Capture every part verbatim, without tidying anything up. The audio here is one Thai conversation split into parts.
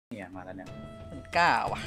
เนี่ยมาแล้วเนี่ยมันกล้าว่ะ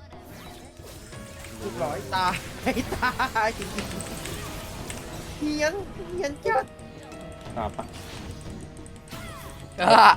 ลูกร้อยตายตายเฮียนเฮียนจัดตอบปะเออ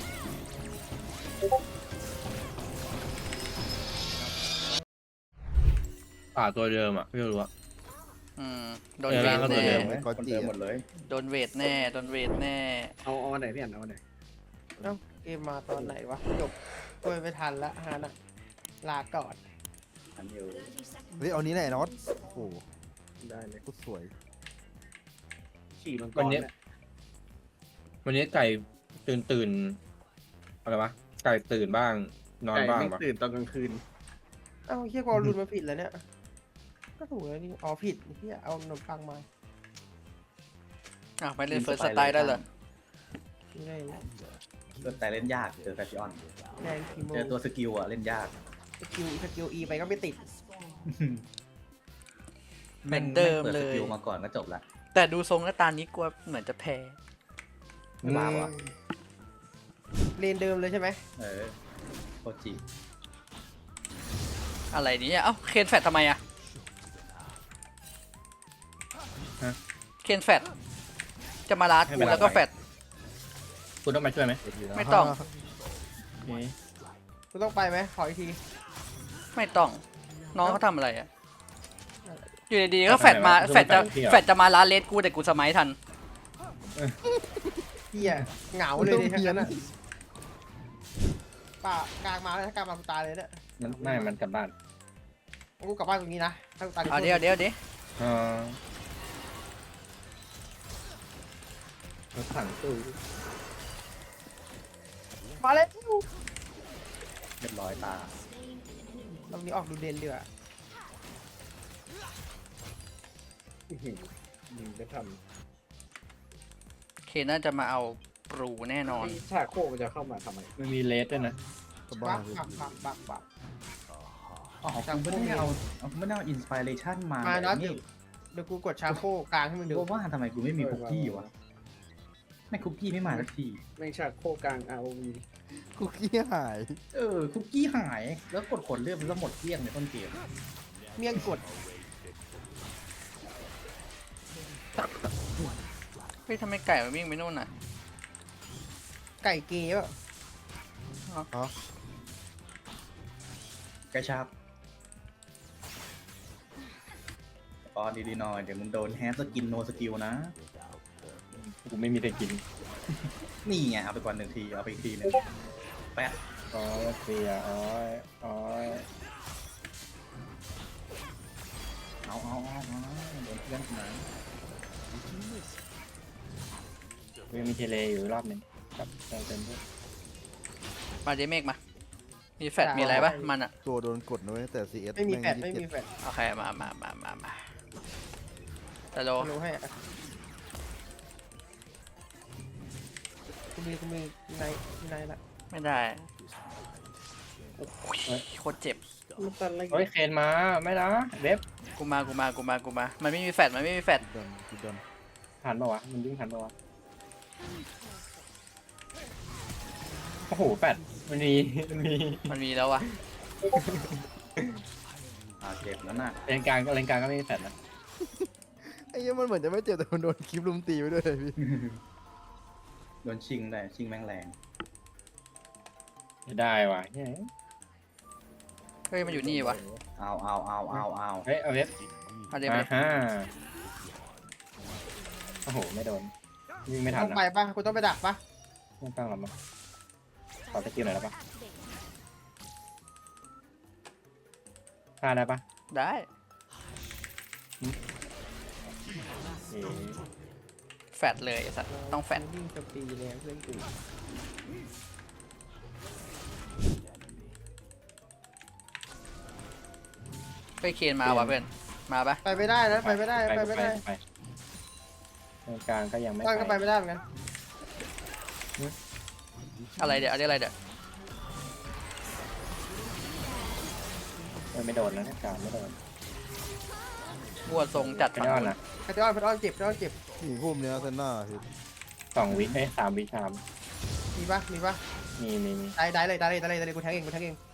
ป่าตัวเดิมอ่ะไม่รู้อ่ะอืมโดนเออเวร่างทก็ตัวแน่เดิมคนเดิมหมดเลยโดนเวทแน่โดนเวทแน่เอาเอาอันไหนพี่อันเอาอันไหนเอ้าเกมมาตอนไหนวะจบโอ้ยไม่ทันละฮานะลาก่อนอันอยู่เฮ้ยเอานี้แหละน็อตโอ้โหได้เลยโคตรสวยขี่มังกวันรนี้เนี่ยวันนี้ไก่ตื่นตื่นอะไรวะไก่ตื่นบ้างนอนไก่บ้างไม่ปะตื่นตอนกลางคืนเอ้าเฮียกอรุนมาผิดแล้วเนี่ยก็ถูกแล้วนี่อ๋อผิดเฮียเอาขนมปังมาอ่ะไปเล่นเฟิร์สสไตล์ได้เลยไม่ได้ละเล่นแต่เล่นยากเจอแฟชั่นแดงคีโมเจอตัวสกิลอ่ะเล่นยากสกิลสกิลอีไปก็ไม่ติดเหมือนเดิมเลปิสยกิลมาก่อนก็จบละแต่ดูทรงแล้วตานี้กลัวเหมือนจะแพ้ไม่บ้าวะเลนเดิมเลยใช่ไหมเออโคจิอะไรเนี่ยเอ้าเคนแฟดทำไมอะเคนแฟดจะมาลาดกูแล้วก็แฟดคุณต้องมาช่วยไหมไม่ต้องโอเคกูต้องไปไหมขออีกทีไม่ต้องน้องเขาทำอะไรอะอยู่ดีๆก็แฟดมาแฟดจะแฟดจะมาลาดเลสกูแต่กูสมัยทันเฮียเหงาเลยดิทั้งนั้นอ่ะป่ากลางมาแล้วถ้ากลางมากูตายเลยเนี่ยมันไม่มันกลับบ้านกูกลับบ้านตรงนี้นะถ้ากูตายเอาเดี๋ยวเดี๋ยวเดี๋ยวเออรถถังตู้มาเลยเรียบร้อยตาตรงนี้ออกดูเด่นดีกว่าอื้อหือยิงจะทเคนน่าจะมาเอาปรูแน่นอำนที่ชาโคกมันจะเข้ามาทำไมมันมีเลสด้วยนะก็บับ้าก เลยบักบักบักบักอ๋อคุณไม่ได้เอาเอาไม่ได้เอาอินสปิเรชันมามาน็อตนี่เดี๋ยวกูกดชาโคกลางให้มึงดูกูว่าทำไมกูไม่มีคุกกี้วะไม่คุกกี้ไม่มาสักทีแม่งชาโคกกลาง อาร์ โอ วีคุกกี้หายเออคุกกี้หายแล้วกดขนเลือดมันก็หมดเกลี้ยงในต้นเกมเมี่ยงกดเฮ้ยทำไมไก่มันวิ่งไปนู่นน่ะไก่เกย์ป่ะกระชับตอนดีๆหน่อยเดี๋ยวมึงโดนแฮสกินโนสกิลนะกูไม่มีแต่กินนี่ไงเอาไปก่อนหนึ่งทีเอาไปอีกทีหนึงแปะอ๋อเสียอ๋ออ๋อเอาเอาเอาเอาโดนเพื่อนนะยังมีเทเลอยู่รอบหนึงกับเติมเต็มด้วยมาเดเมกมา มีแฟดมีอะไรปะมันอะตัวโดนกดนะเว้ยแต่ ซี เอสไม่มีแฟดไม่มีแฟดโอเคมามามามามาแต่โลรู้ให้อะกูมีกูมีในในละไม่ได้โอ้ยโคตรเจ็บมันตันอะไรเฮ้ยเคนมาไม่นะเว็บกูมากูมากูมากูมา มันไม่มีแฟดมันไม่มีแฟดดันกูดันทันปะวะมันวิ่งทันปะวะโอ้โหแปดมันมีมันมีมันมีแล้ววะอ่าเจ็บแล้วน่ะเลนกลางเลนกลางก็ไม่มีแฟดนะไอ้เหี้ยมันเหมือนจะไม่เจ็บแต่มันโดนคลิปลุมตีไปด้วยพี่โดนชิงได้ชิงแม่งแรงไม่ได้ว่ะเฮ้ยเฮ้ยมันอยู่นี่วะเอาเอาเอาเอาเอาเฮ้ยเอาเว็บมาเดเมอ่าก ฮะโอ้โหไม่โดนวิ่งไม่ทันต้องนะไปปะกูต้องไปดักปะไม่ต้องหรอกมั้งขอสกิลหน่อยได้ปะฆ่าได้ปะได้เอ๋แฟดเลยไอ้สัตว์ต้องแฟดวิ่งจะปีแล้วเพื่อนกูไปเคนมาวะเพื่อนมาปะไปไม่ได้นะไปไม่ได้ไปไม่ได้ไปเลนกลางก็ยังไม่ต้อนก็ไปไปไม่ได้เหมือนกันอะไรเดี๋ยวอะไรเดี๋ยวเออไม่โดนนะกลางไม่โดนบัวทรงจัดไม่ฝั่งโดนนู้นนะไอ้ต้อนไอ้ต้อนเจ็บไอ้ต้อนเจ็บหนีพุ่มเนี้ยเซนหน้าพี่สองวิเอ้ยสามวิชามมีปะมีปะมมีมีมีได้ได้เลยได้เลยได้เลยได้เลยกูแทงเองกูแทงเอง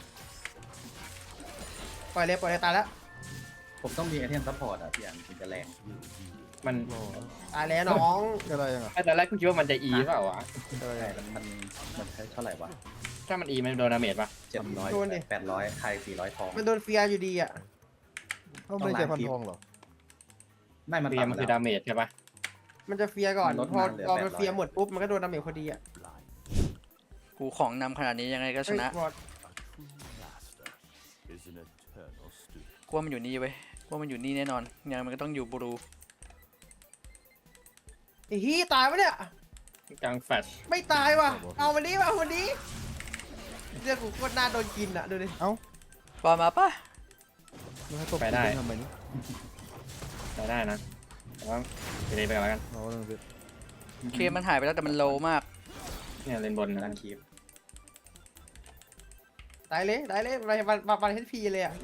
ปล่อยเลยปล่อยเลยตายแล้วผมต้องมีไอเทมซัพพอร์ตอ่ะพี่อันถึงจะแรงมันโอ้ตายแล้วน้องอะไรยังอ่ะไอ้ตอนแรกกูคิดว่ามันจะอีเปล่าวะอะไรใช่ยังมันมันมันใช้เท่าไหร่วะถ้ามันอีมันโดนดาเมจปะเจ็ดร้อยแปดร้อยไทยสี่ร้อยทองมันโดนเฟียร์อยู่ดีอ่ะเขาไม่ใช่พันทองเหรอไม่มันเฟียต่ำมันแล้คือวดาเมจใช่ปะมันจะเฟียร์ก่อนมันลดพอมาเหลือพอมันแปดร้อยเฟียร์หมดปุ๊บมันก็โดนดาเมจพอดีอ่ะกูของนำขนาดนี้ยังไงก็ชนะเฮ้ยบอสกูว่ามันอยู่นี่เว้ยกูว่ามันอยู่นี่แน่นอนยังไงมันก็ต้องอยู่บลูไอ้ฮียตายปะเนี่ยกลางแฟชไม่ตายว่ะเอาวันนี้มาเอาวันนี้เรื่องกูโคตรน่าโดนกินอ่ะดูดิปอมาปะมันให้ตบกูเป็นทำไมนี่ได้ได้นะแต่ว่าไปเลยไปกันแล้วกันเอาเรื่องพี่เคมันหายไปแล้วแต่มันโลมากเนี่ยเลนบนดันะนคีบตายเลยตายเลยไปวันวันวันเฮดพีเลยอ่ะ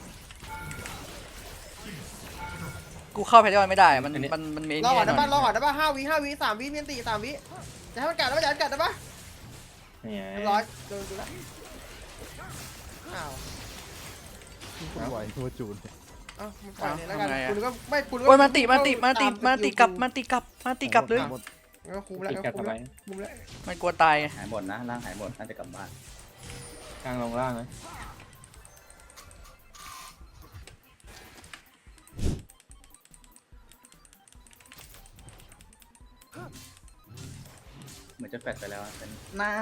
กูเข้าไปได้วันไม่ได้มันมันมันมีรอก่อนแน่นะนอบ้านนรอก่อนนะบ้านห้าวิห้าวิสามวิเมียนตีสามวิจะให้มันกัดนะบ้านจะให้มันกัดนะบ้านเนี่ยเรียบร้อยโดนกูแล้วอ้าวคุณไหวตัวจูนเอ้ามันปล่อยเลยแล้วกันคุณก็ไม่คุณก็โอ้ยมันติมันติมันติมันติกลับมันติกลับมันติกลับเลยงั้นก็คุ้มแล้วติดงั้นกัก็ดคุ้มทำไมแล้วคุ้มแล้วมันกลัวตายไงหายหมดนะร่างหายหมดน่าจะกลับบ้านกลางลงล่างเลยเหมือนจะแฟดไปแล้วอะเป็นหน้า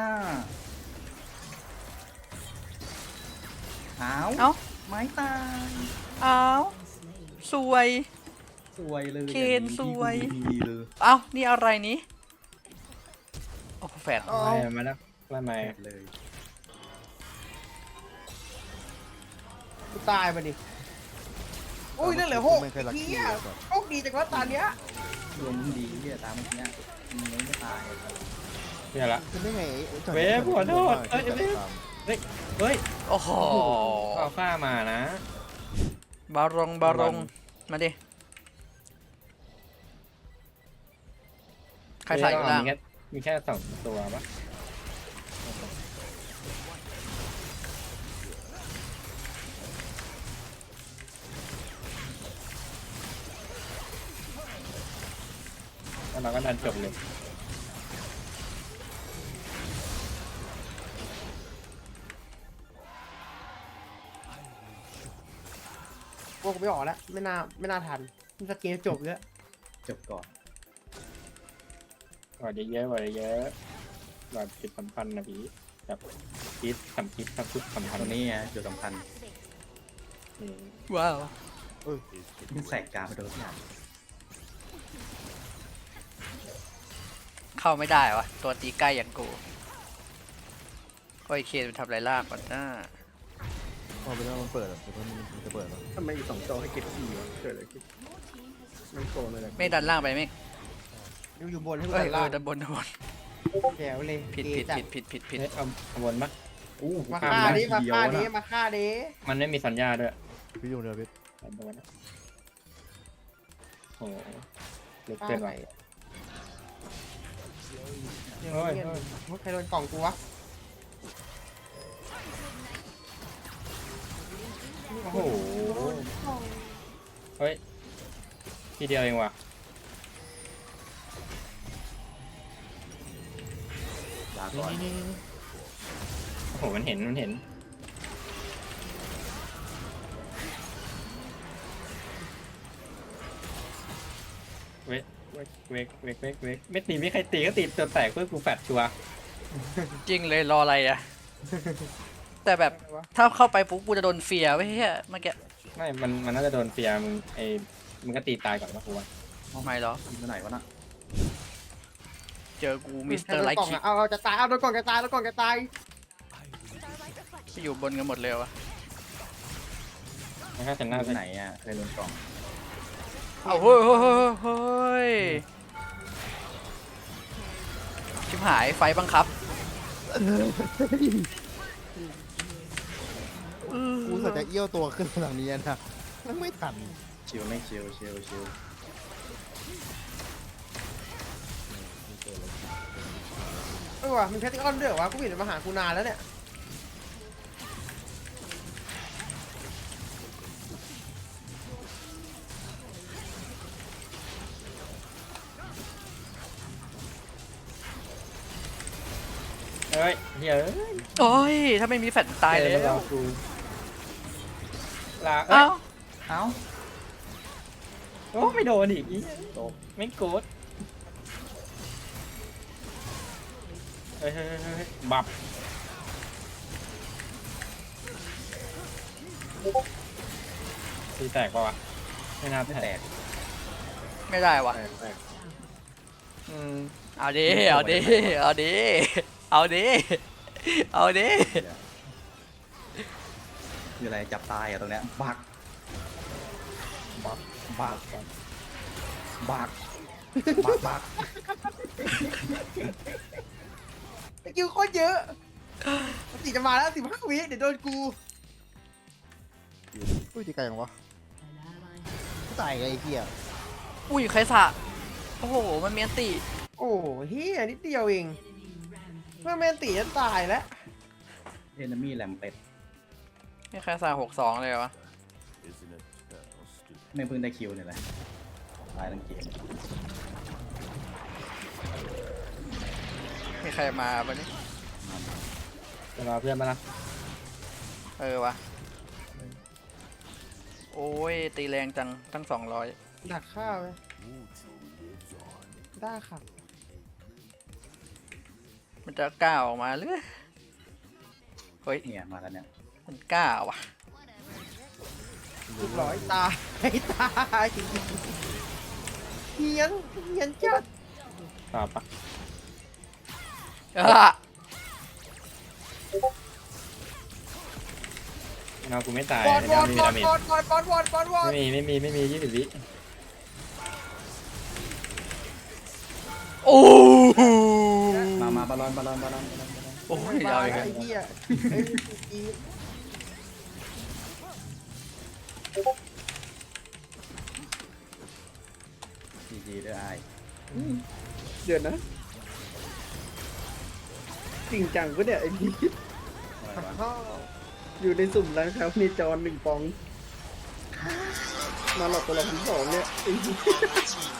เท้าเอ้าไม้ตายเอ้าสวยสวยเลยเคนสวยดีเลยเอ้านี่อะไรนี้โอ้โหแฟดอ๋อไล่มาแล้วไล่มาแฟดเลยกูตายมาดิอุ้ยนั่นเหลือหกไม่เคยรักเฮีกี้ยเลยแบบโชคดีจังวะตาเนี้ยรวมมึงดีที่จะตามเมื่อกี้เนี่ยมึงยังไม่ตายเนี่ยละเป็นได้ไงไอ้จอยเว้ยขอโทษเอ้ยเว้ย เฮ้ยโอ้โหเอาข้ามานะบารงบารงมาดิใครใส่อยู่ล่างมีแค่มีแค่สองตัวปะแล้วเราก็ดันจบเลยพวกกูไม่ออกแล้วไม่น่าไม่น่าทันมันสเกลจบแล้วจบก่อนกว่าเยอะๆกว่าเยอะแบบจิตสัมพันธ์นะพี่แบบคิดทำคิดทำคิดสัมพันตรงธ์นี้ไงจุดสำคัญอืมว้าวมึงแสกกาไปโดนทุกอย่างเข้าไม่ได้วะตัวตีใกล้อย่างกูก็ไอเคนมันทำไรล่างก่อนหน้าพอไปแล้วมันเปิดอ่ะเดี๋ยวมันจะเปิดแล้วทำไมสองจอให้เก็บสี่วะเกิดอะไรขึ้นไม่โกงเลยเลยไม่ดันล่างไปไม่อยู่อยู่บนให้กูเอ้ยตัดเอล่าอง ดันบนดันบนแจ๋วเลยผิดเกผิดจัผิดผิดผิดผิดเฮ้ยเอาเอาวนปะอู้มาข้ฆ่าได้ดิมาทีเดียวฆ่าดินะมาฆ่าดิมันไม่มีสัญญาด้วยพี่ยุ่งเดียวพี่แบบโดนอะโอ้โหเล็กเกินไปเดี๋ยวเฮ้ยเงียบเฮ้ยเฮ้ยใครโดนกล่องกูวะโอ้โหเฮ้ยทีเดียวเองว่ะลาก่อนโอ้โหมันเห็นมันเห็นเวกเวกเวกเวกเวกเวกไม่ตีไม่ใครตีก็ตีตัวแตกเพื่อกูแฟดชัวร์จริงเลยรออะไรอะแต่แบบถ้าเข้าไปปุ๊บกูจะโดนเฟียร์ไว้เฮ้ยเมื่อกี้ไม่มันมันน่าจะโดนเฟียร์มึงไอ้มึงก็ตีตายก่อนปะกูว่าไม่หรอยิงไปไหนวะน่ะเจอกูมิสเตอร์ไลท์ใคโดนกล่องคิอะเอาเอาจะตายเอาโดนกล่องจะตายแล้วกล่องจะตายไปอยู่บนกันหมดเลยวะไม่ค่าชหนะน้าไปไปไหนอ่ะเคยโดนกล่องเอาเฮ้ยเฮ้ยเฮ้ยเฮ้ยชิบหายไฟบังคับกูสัจจะเอี้ยวตัวขึ้นหลังนี้นะแล้วไม่ทันชิวไม่ชิวชิวชิวเออว่ะมีแพทติออนด้วยเหรอวะกูเห็นมาหากูนานแล้วเนี่ยเฮ้ยเฮ้ยโอ้ยถ้าไม่มีแฟดตายแล้เราวกูลาเอ้าเอ้าโอ้ไม่โดนอีกอีไม่โกดเฮ้ยเฮ้ยเฮ้ยบับตีแตกปะวะไม่น่าไม่แตแตกกไม่ได้วะแตกแตกอืมเอาดิเอาดิเอาดิเอาดิเอาดิคืออะไรจับตายอะตรงเนี้ยบักบักบักบักบักบักสกิลโคตรเยอะสี่จะมาแล้วสิบห้าวิเดี๋ยวโดนกูอุ้ยตีไก่ยังวะกูตายไงไอ้เหี้ยอุ้ยใครสะโอ้โหมันเมียนตีโอ้เฮียนิดเดียวเองเมื่อแมนตีจะตายแล้วเอนมี่แลมเป็ดนี่ใครสะหกสองเลยวะไม่เพิ่งได้คิวเนี่ยแหละตายทั้งเกมมีใครมาปะนี่จะรอเพื่อนมานะเออวะโอ้ยตีแรงจังตั้งสองร้อยดักข้าวไหมได้ค่ะมันจะกล้าออกมาหรือเฮ้ยเนี่ยมาแล้วเนี่ยมันกล้าว่ะเรียบร้อยตายตายเฮียนเฮียนจัดตามปะอ่ะเงากูไม่ตายบอลบเงาอลไม่มีบอดาลเมจบอลบอลบอลบอลบอลไม่มีไม่มีไม่มียี่สิบวิโอ้โหมามาบอลลอนบอลลอนบอลลอนบอลลอนบอลลอนโอ้ยมาเอาอีกไอ้แล้วเหี้ยไอ้อีจีจีด้วยไอ้เดี๋ยวนะ จริงจังปะเนี่ยไอ้พี่อะไรวะพ่ออยู่ในสุ่มร้านค้าในจอนหนึ่งปอง มาหลอกตัวละพันสองเนี่ยไอ้พี่